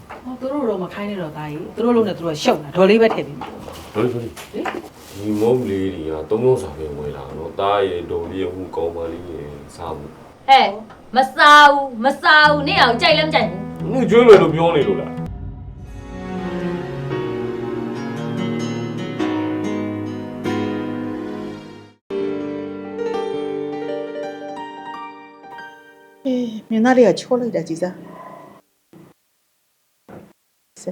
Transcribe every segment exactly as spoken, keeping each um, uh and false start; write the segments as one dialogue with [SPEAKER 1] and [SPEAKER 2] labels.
[SPEAKER 1] ဟောသူတို့တော့မခိုင်းနေတော့သားကြီးသူတို့လုံးနဲ့သူတို့ရှုပ်တာဒေါ်လေးပဲထည့်ပြီးမှာ
[SPEAKER 2] ဒေါ်လေးဒေါ်လေးဒီမုံလေးတွေကသုံးလုံးစာပဲဝင်လာနော်တားရဲ့ဒေါ်လေးဟိုကောင်းပါလေးရဲ့စားဘူး
[SPEAKER 3] ဟဲ့မစားဘူးမစားဘူးနေအောင်ကြိုက်လည်းမကြိုက်ဘူး
[SPEAKER 2] ငါကျွေးမယ်လို့ပြောနေလို့လား
[SPEAKER 4] အေးမင်းသားလေးကချောလိုက်တာကြည်စားဆက်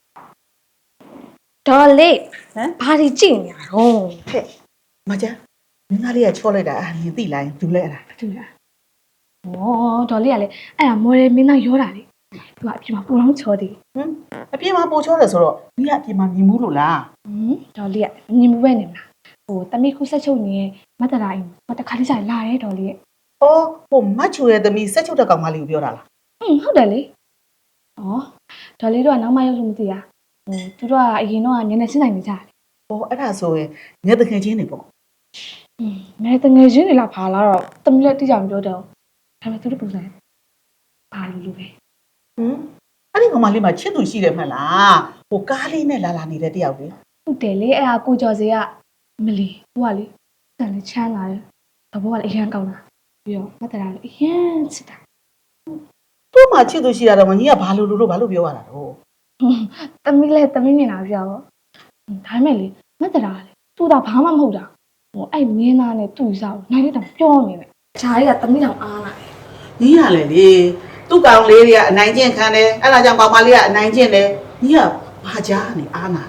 [SPEAKER 5] ဒေါ်လေး
[SPEAKER 4] ဟမ်
[SPEAKER 5] ဘာဒီကြည့်နေရတော့
[SPEAKER 4] ဟဲ့မကြမင်းသားလေးကချောလိုက်တာအမြင်သိလိုက်ဘူးလဲအဲ့ဒါ
[SPEAKER 5] တူလားဩဒေါ်လေးကလည်းအဲ့ဒါမော်ဒယ်မင်းသားရောတာလေသူကအပြင်မှာပူလောင်းချောသေး
[SPEAKER 4] ဟမ်အပြင်မှာပိုချောတယ်ဆိုတော့မင်းကအပြင်မှာမြင်ဘူးလို့လား
[SPEAKER 5] ဟမ်ဒေါ်လေးကမြင်မှုပဲနေမလားဟိုတမိခုဆက်ချုပ်နေတဲ့မတ်တရာအိမ်မတခါလေးကြာလာရဲဒေါ်လေးရဲ့
[SPEAKER 4] အော်ဟိုမတ်ချူရဲ့သမီးဆက်ချုပ်တဲ့ကောင်မလေးကိုပြောတာလား
[SPEAKER 5] ဟွန်းဟုတ်တယ်လေဩဒေါ်လေးတို့ကနောက်မှရောက်လို့မသိရဟိုသူတို့ကအရင်တော့ကနည်းနည်းစဉ်းနိုင်နေကြတယ်
[SPEAKER 4] ဟောအဲ့ဒါဆိုရင်ငယ်တခင်ချင်းနေပေါ့
[SPEAKER 5] ဟွန်းမဲတငယ်ချင်းတွေလားဘာလားတော့တမီလည်းတိကျမပြောတော့ဒါပေမဲ့သူတို့ပုံစံဘာလို့လို့ပဲ
[SPEAKER 4] ဟမ်အဲ့ဒီကောင်မလေးမှာချစ်သူရှိတယ်မှတ်လားဟိုကားလေးနဲ့လာလာနေတဲ့တယောက်လေ
[SPEAKER 5] ဟုတ်တယ်လေအဲ့ဒါကိုကျော်စေကမလီသူကလေတန်လေးချမ်းလာတယ်ဘဘကလည်းအရန်ကောင်းတာပြီးတော့မတ်တရာလည်းအရန်ချစ်တာ
[SPEAKER 4] သူ့မှာချစ်သူရှိတာတော့မကြီးကဘာလို့လို့လို့ဘာလို့ပြောရတာတော့
[SPEAKER 5] တမီလည်းတမီမြင်လာပြတော့ဒါပေမဲ့လေမတ်တရာလေသူ့တာဘာမှမဟုတ်တာဟိုအဲ့မင်းသားနဲ့သူ့စားကိုနိုင်တဲ့တောင်ပြောနေတယ်ဂျားကြီးကတမီတောင်အားလာတယ်
[SPEAKER 4] ကြီးရလေလေသူ့ကောင်လေးတွေကအနိုင်ကျင့်ခံတယ်အဲ့ဒါကြောင့်ကောင်မလေးကအနိုင်ကျင့်တယ်ကြီးကဘာကြားနေအားနာ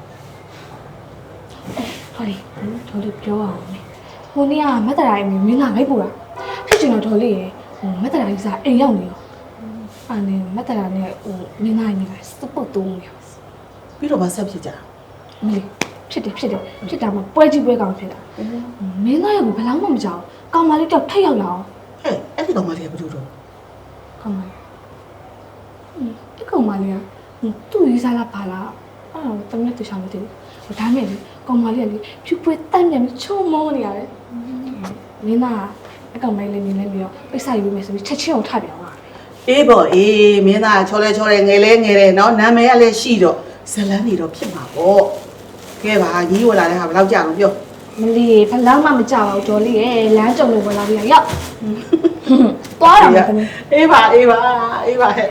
[SPEAKER 5] ဟောလေဒေါ်လေးပြောအောင်မေဟိုနေ့ကမတ်တရာရဲ့မင်းသားလိုက်ပူတာဖြစ်ချင်တော့ဒေါ်လေးရဲ့ဟိုမတ်တရာကြီးစားအိမ်ရောက်နေရောအဲ့နဲ့မတ်တရာနဲ့ဟိုမင်းသားကြီးကစပုတ်တုံးနေ
[SPEAKER 4] ပြီးတော့ဗဆက်ဖြစ်ကြ
[SPEAKER 5] မလေးဖြစ်တယ်ဖြစ်တယ်ဖြစ်တာမှပွဲကြီးပွဲကောင်ဖြစ်တာမင်းသားရဲ့ကိုဘယ်လောက်မှမကြောက်ကောင်မလေးတော့ထိတ်ရောက်လာအောင်
[SPEAKER 4] ဟဲ့အဲ့ဒီကောင်မလေးကဘာလို့တော့
[SPEAKER 5] ကောင်မလေးဒီကောင်မလေးကသူ့ရေးစားလာပါလားအဲ့တော့တမက်တူချောင်းမသိဘူးဒါမဲ့လေကောင်မလေးကလေဖြူပွဲတန်းနေပြီးချုံမောနေရတယ်မင်းသားအကောင်မလေးနေနေပြီးတော့ပိတ်ဆိုင်ယူမယ်ဆိုပြီးချက်ချင်းအောင်ထပြောင်းလာ
[SPEAKER 4] အေးပေါ့အေးမင်းသားချောလဲချောလဲငယ်လဲငယ်တယ်နော်နာမည်ကလည်းရှိတော့ဇလန်းနေတော့ဖြစ်မှာပေါ့ကဲပါကြီးဝင်လာတဲ့ဟာဘယ်လောက်ကြာလို့ပြော
[SPEAKER 5] မလေးဘယ်လောက်မှမကြောက်ဘူးဒေါ်လေးရဲ့လမ်းကြုံလို့ဝင်လာပြီးရောက်သွားတော့မယ်သမီး
[SPEAKER 4] အေးပါအေးပါအေးပါဟဲ့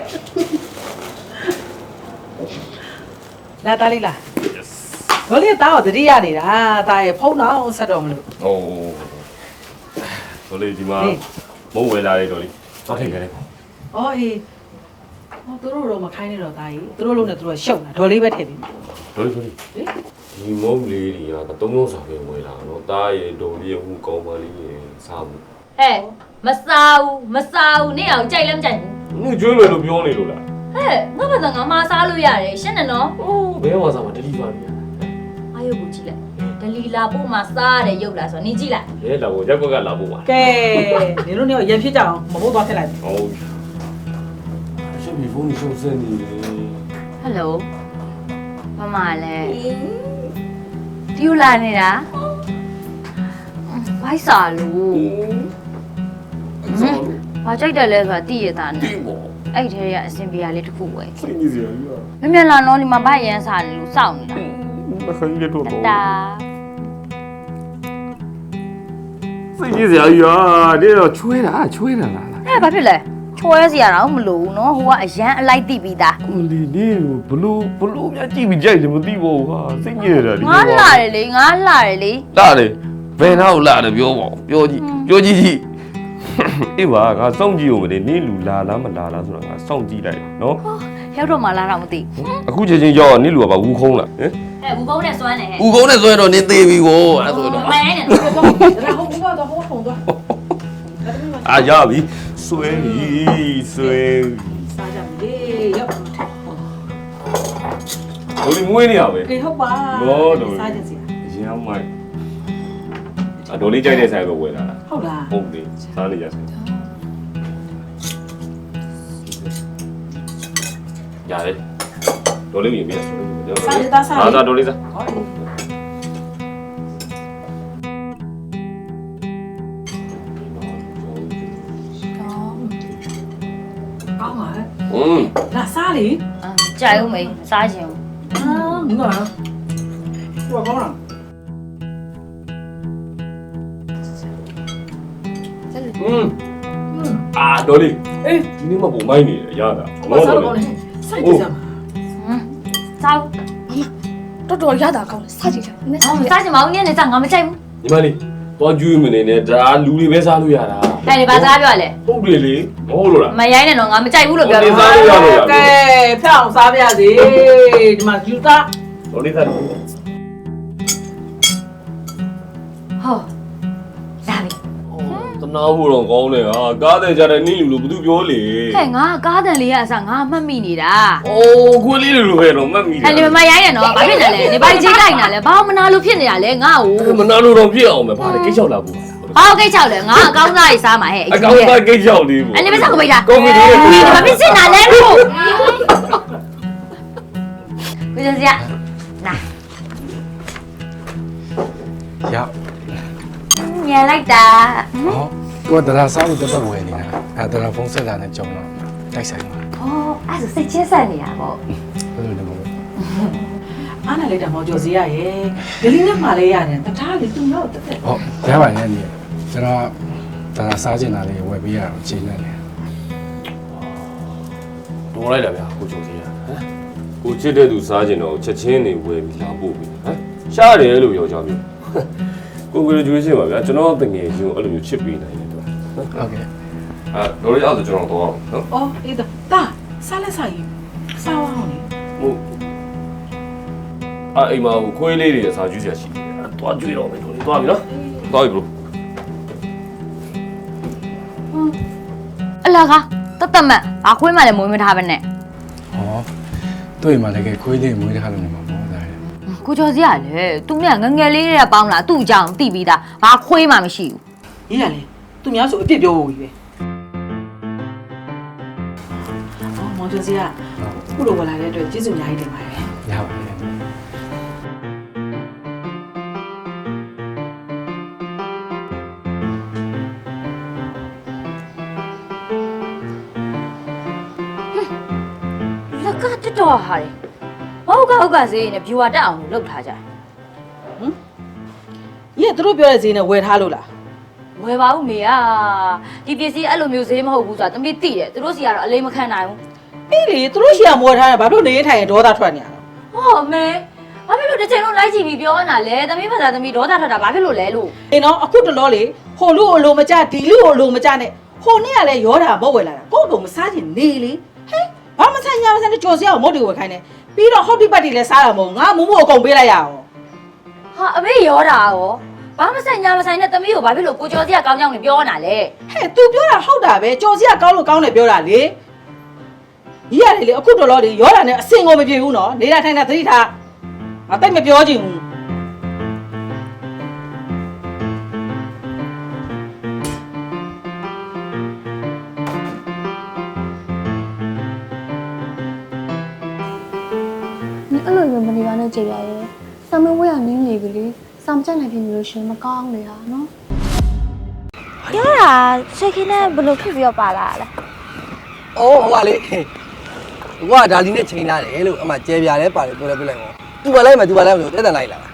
[SPEAKER 1] လာသားလေးလားဒေါ်လေးသားတော့တတိယနေတာသားရဲ့ဖုန်းတော့ဆက်တော့မလို့
[SPEAKER 2] ဟိုဒေါ်လေးဒီမှာမုံဝယ်လာတဲ့ဒေါ်လေးသွားထိတ်ခဲ့တယ်
[SPEAKER 1] ဩအေးဟောသူတို့တော့မခိုင်းနေတော့သားကြီးသူတို့လုံးနဲ့သူတို့ရှုပ်တာဒေါ်လေးပဲထည့်ပြီးမှာ
[SPEAKER 2] ဒေါ်လေးဒေါ်လေးဒီမုံလေးတွေကသုံးလုံးစာပဲဝင်လာနော်တားရဲ့ဒေါ်လေးဟိုကောင်းပါလေးရဲ့စားဘူး
[SPEAKER 3] ဟဲ့မစားဘူးမစားဘူးနေအောင်ကြိုက်လည်းမကြိုက်ဘူး
[SPEAKER 2] ငါကျွေးမယ်လို့ပြောနေလို့လား
[SPEAKER 3] ဟဲ့ငါဘာသာငါမစားလို့ရတယ်ရှင်းတယ်နော်
[SPEAKER 2] အိုးဘယ်ဝါစားမှာ delivery ရ
[SPEAKER 3] အားရုပ်ကိုကြည့်လိုက်ဒလီလာပို့မှာစားရတယ်ရုပ်လားဆိုတော့နင်ကြည့်လိုက်
[SPEAKER 2] ရဲလာဖို့ရက်ကွက်ကလာဖို့ပါ
[SPEAKER 1] ကဲနင်တို့เนี่ยရံဖြစ်ကြအောင်မဟုတ်သွားဖြစ်လိုက်ပြီ
[SPEAKER 2] ဟုတ်ရှင်းပြီဖုန်းရှုပ်စင်းနေတယ်
[SPEAKER 3] ဟယ်လိုမမလည်းဒီလိုလာနေတာဘိုက်စာလို့ဘာကြိုက်တယ်လဲဆိုတာသိရတာနဲ့
[SPEAKER 2] ဒီမော
[SPEAKER 3] အဲ့ထဲကအစင်ပြာလေးတစ်ခုပဲ
[SPEAKER 2] စိတ်ကြီးစရာကြီးอ่ะ
[SPEAKER 3] မမြန်လာတော့ဒီမှာဘိုက်ရန်စာနေလို့စောင့်နေတာ
[SPEAKER 2] မခိုင်းရတော့
[SPEAKER 3] တာ
[SPEAKER 2] စိတ်ကြီးစရာကြီးอ่ะဒီတော့ချွေးတာချွေးတာလား
[SPEAKER 3] အဲ့ဘာဖြစ်လဲချွဲစရာတော့မလိုဘူးနော်ဟိုကအရန်အလိုက်တိပြီးသား
[SPEAKER 2] ကိုလီနေဘလို့ဘလို့များကြည့်ပြီးကြိုက်တယ်မသိဘူးဟာစိတ်ကြီးရတာဒီ
[SPEAKER 3] ငါလာတယ်လေငါလာတယ်လေ
[SPEAKER 2] လာတယ်ဘယ်နောက်လာတယ်ပြောပါပြောကြည့်ပြောကြည့်ကြည့်အေးပါငါစောင့်ကြည့်ဦးမလေးနင်းလူလာလားမလာလားဆိုတော့ငါစောင့်ကြည့်လိုက်နော်
[SPEAKER 3] ရောက်တော့မှလာတော့မသိ
[SPEAKER 2] အခုချက်ချင်းရောက်နင်းလူကပါဝူခုံးလားဟင်
[SPEAKER 3] ဟဲ့ဘူးကုန်းနဲ့စွမ်းနေဟဲ့
[SPEAKER 2] ဝူခုံးနဲ့ဆိုရင်တော့နင်းသေးပြီကိုအဲ့ဆိုတော့
[SPEAKER 3] မဲနဲ့
[SPEAKER 1] ဒါဟုတ်ဘူးတော့ဟိုဖုန်းသွား
[SPEAKER 2] အာရပြီဆွဲပြီဆွဲ
[SPEAKER 1] စားကြပြီရောက်
[SPEAKER 2] ဘယ်လိုမွေးနေရပဲ
[SPEAKER 1] အေးဟုတ်ပါ
[SPEAKER 2] ဘောတော်
[SPEAKER 1] စားကြစီ
[SPEAKER 2] ရမ်းမိုက်အဒေါ်လေးကြိုက်တဲ့ဆိုင်ကိုဝယ်လာတာ
[SPEAKER 1] ဟုတ်လား
[SPEAKER 2] ဟုတ်တယ်စားနေကြဆိုင်ရတယ်ဒေါ်လေးမြင်ပြီလား
[SPEAKER 1] စားရတာစား
[SPEAKER 2] အားစားဒေါ်လေးစား
[SPEAKER 1] ဟုတ်ကောင်းပါ
[SPEAKER 2] อืม
[SPEAKER 1] လာစားလေ
[SPEAKER 3] အာကြိုက်ဦးမေစားချင်ဘူး
[SPEAKER 1] 啊，你干嘛？我搞了。
[SPEAKER 2] อืมအာတော်လေး
[SPEAKER 1] 哎，
[SPEAKER 2] ဒီနေ့မှပုံမိုင်းနေရတာ
[SPEAKER 1] 我啥都搞了，啥都干嘛？
[SPEAKER 3] ဟမ်စားဦး
[SPEAKER 5] တော်တော်ရတာကောင်းတယ်စားကြည့်ချင်တယ်
[SPEAKER 3] ဟောစားချင်မအောင်ညနေစားငါမကြိုက်ဘူး
[SPEAKER 2] ညီမလေးသွားကျွေးမနေနဲ့ဒါလူတွေပဲစားလို့ရတာ
[SPEAKER 3] ဟဲ့ဒီဘာစားပြောရလဲ
[SPEAKER 2] ဟုတ်တယ်လေမဟုတ်လို့လား
[SPEAKER 3] မရိုင်းနဲ့တော့ငါမကြိုက်ဘူးလို့ပြောတယ်
[SPEAKER 2] စားလို့ရလို့ရ
[SPEAKER 1] 该票啥不要的，你妈就打。
[SPEAKER 2] တော်လေးစား
[SPEAKER 3] ဟောလာပြီ
[SPEAKER 2] တနာဖို့တော့ကောင်းတယ်ဟာကားတဲ့ကြတဲ့နင်းလူလို့ဘာသူပြောလေ
[SPEAKER 3] ဟဲ့ငါကားတန်လေးကအစားငါမှတ်မိနေတာ
[SPEAKER 2] အိုးကိုလေးလူပဲတော့မှတ်မိတယ်
[SPEAKER 3] ဟဲ့ဒီမရိုင်းနဲ့တော့ဘာဖြစ်နေလဲနေပါကြီးလိုက်နေတာလဲဘာမနာလို့ဖြစ်နေတာလဲငါ့ကို
[SPEAKER 2] မနာလို့တော့ဖြစ်အောင်ပဲဗါလေကိတ်ချောက်လာဘူး
[SPEAKER 3] ဟောကိတ်ချောက်လဲငါအကောင်းစားရေးစားမှာဟဲ့
[SPEAKER 2] အကောင်ကကိတ်ချောက်လေးဘူး
[SPEAKER 3] အဲ့ဒီမစားကိုပိတ်တာ
[SPEAKER 2] ကောင်းပြီလေ
[SPEAKER 3] ဒီဘာဖြစ်နေတာလဲလို့ကိုကျစရာနာ
[SPEAKER 6] ရ
[SPEAKER 3] ညလိုက်တာ
[SPEAKER 6] ဟောကိုကတရာစားလို့တက်တက်ဝယ်နေတာအဲတရာဖုန်းဆက်လာနဲ့ကြောင်းတော့တိုက်ဆိုင်ပါ
[SPEAKER 3] ဟောအဲ့ဒါစိတ်ချင်းဆက်နေတာပေါ့
[SPEAKER 6] ဘယ်လိုလဲမလို့
[SPEAKER 1] 俺那里的毛就是呀耶，这里那马来呀呢，他他里都要的。
[SPEAKER 6] ဟောရပါရဲ့နေကျွန်တော်တရာစားချင်တာလေးဝယ်ပေးရအောင်ချိန်နေတယ်
[SPEAKER 2] တော်လိုက်တာဗျာကိုကျော်စီရဟမ်ကိုချစ်တဲ့သူစားကျင်တော့ချက်ချင်းနေဝယ်ပြီးလာပို့ပြီဟမ်ရှားတယ်လို့ပြောကြပြီကိုကိုကျွေးရှင်ပါဗျာကျွန်တော်တငယ်ချင်းကိုအဲ့လိုမျိုးချစ်ပေးနိုင်တယ်သူ
[SPEAKER 6] ဟုတ်ကဲ့
[SPEAKER 2] အာတော်လေးအောင်ကျွန်တော်တော့နော်
[SPEAKER 1] 哦，哎的，大，啥来啥鱼，啥玩意儿？
[SPEAKER 2] ဟုတ်အာအိမ်မှာခွေးလေးတွေစားကျွေးစရာရှိတယ်တွားကျွေးတော့မယ်တော်လေးတွားပြီနော်တွားပြီဘလို့
[SPEAKER 3] အလကားတတ်တတ်မတ်ဘာခွေးမှလည်းမွေးမထားပဲနဲ့
[SPEAKER 6] ဟောတွေ့မှလည်းခွေးလေးမွေးထားလို့နေမှာပေါ့ဒါလေ
[SPEAKER 3] ကိုကျော်စီကလည်းသူနဲ့ငငယ်လေးတွေကပေါင်းလာသူ့အကြောင်းသိပြီးသားဘာခွေးမှမရှိဘူး
[SPEAKER 1] 你俩嘞，都苗手一别表我以为。哦，毛就是呀，不如我来的对，记住伢一点嘛耶。
[SPEAKER 6] ရပါရဲ့
[SPEAKER 3] လက်ကတက်တော့ဟာလေဟုတ်ကဟုတ်ကစေးနဲ့ viewer တက်အောင်လုပ်ထားကြတယ်
[SPEAKER 1] 你也都表的谁呢？为他路了。
[SPEAKER 3] ဝယ်ပါဦးမေอ่ะဒီပစ္စည်းအဲ့လိုမျိုးဈေးမဟုတ်ဘူးဆိုတာတမီးသိတယ်သူတို့စီကတော့အလေးမခံနိုင်ဘူး
[SPEAKER 1] 哎哩，都是想摸他的，把都那一台多大穿呀？
[SPEAKER 3] ဟောမေဘာဖြစ်လို့တစ်ချိန်လုံးလိုက်ကြည့်ပြီးပြောနေတာလဲတမီးဖတ်တာတမီးဒေါသထွက်တာဘာဖြစ်လို့လဲလို့
[SPEAKER 1] 哎喏，啊，过得老嘞，好路路么家，地路路么家呢？好你也来摇他不回来了，搞个么啥子你哩？嘿，把么参加么参加就是要没得我看呢，比到好地把地来啥了么？俺某某讲别来呀哦。
[SPEAKER 3] ဟာအမေရောတာရောဘာမဆိုင်ညာမဆိုင်နဲ့တမီးကိုဘာဖြစ်လို့ကိုကျော်စီကကောင်းကြောင်းနေပြောနေတာလဲ
[SPEAKER 1] ဟဲ့ तू ပြောတာဟုတ်တာပဲကြော်စီကကောင်းလို့ကောင်းတယ်ပြောတာလေကြီးရတယ်လေအခုတော်တော်လေးရောတာနဲ့အစင်ကိုမပြေဘူးနော်နေတာထိုင်တာသတိထားငါတိတ်မပြောချင်ဘူး
[SPEAKER 5] 你အဲ့လိုမျိုးမနေပါနဲ့ကြည်ရရဲ့စာမဝဲရနင်းနေပြီလေစာမချက်နိုင်ဖြစ်နေလို့ရှင်မကောင်းလေဟာနော်
[SPEAKER 7] ပြောတာစိတ်ခင်းနဲ့ဘယ်လိုဖြစ်ပြီးတော့ပါလာလဲ
[SPEAKER 8] ။အော်ဟိုကလေ။ဟိုကဒါလီနဲ့ချိန်လာတယ်လို့အမှကျဲပြားလဲပါတယ်ပြောလဲပြလိုက်ပေါ့။ तू ပါလိုက်မယ် तू ပါလိုက်မယ်လို့တက်တန်လိုက်လာတာ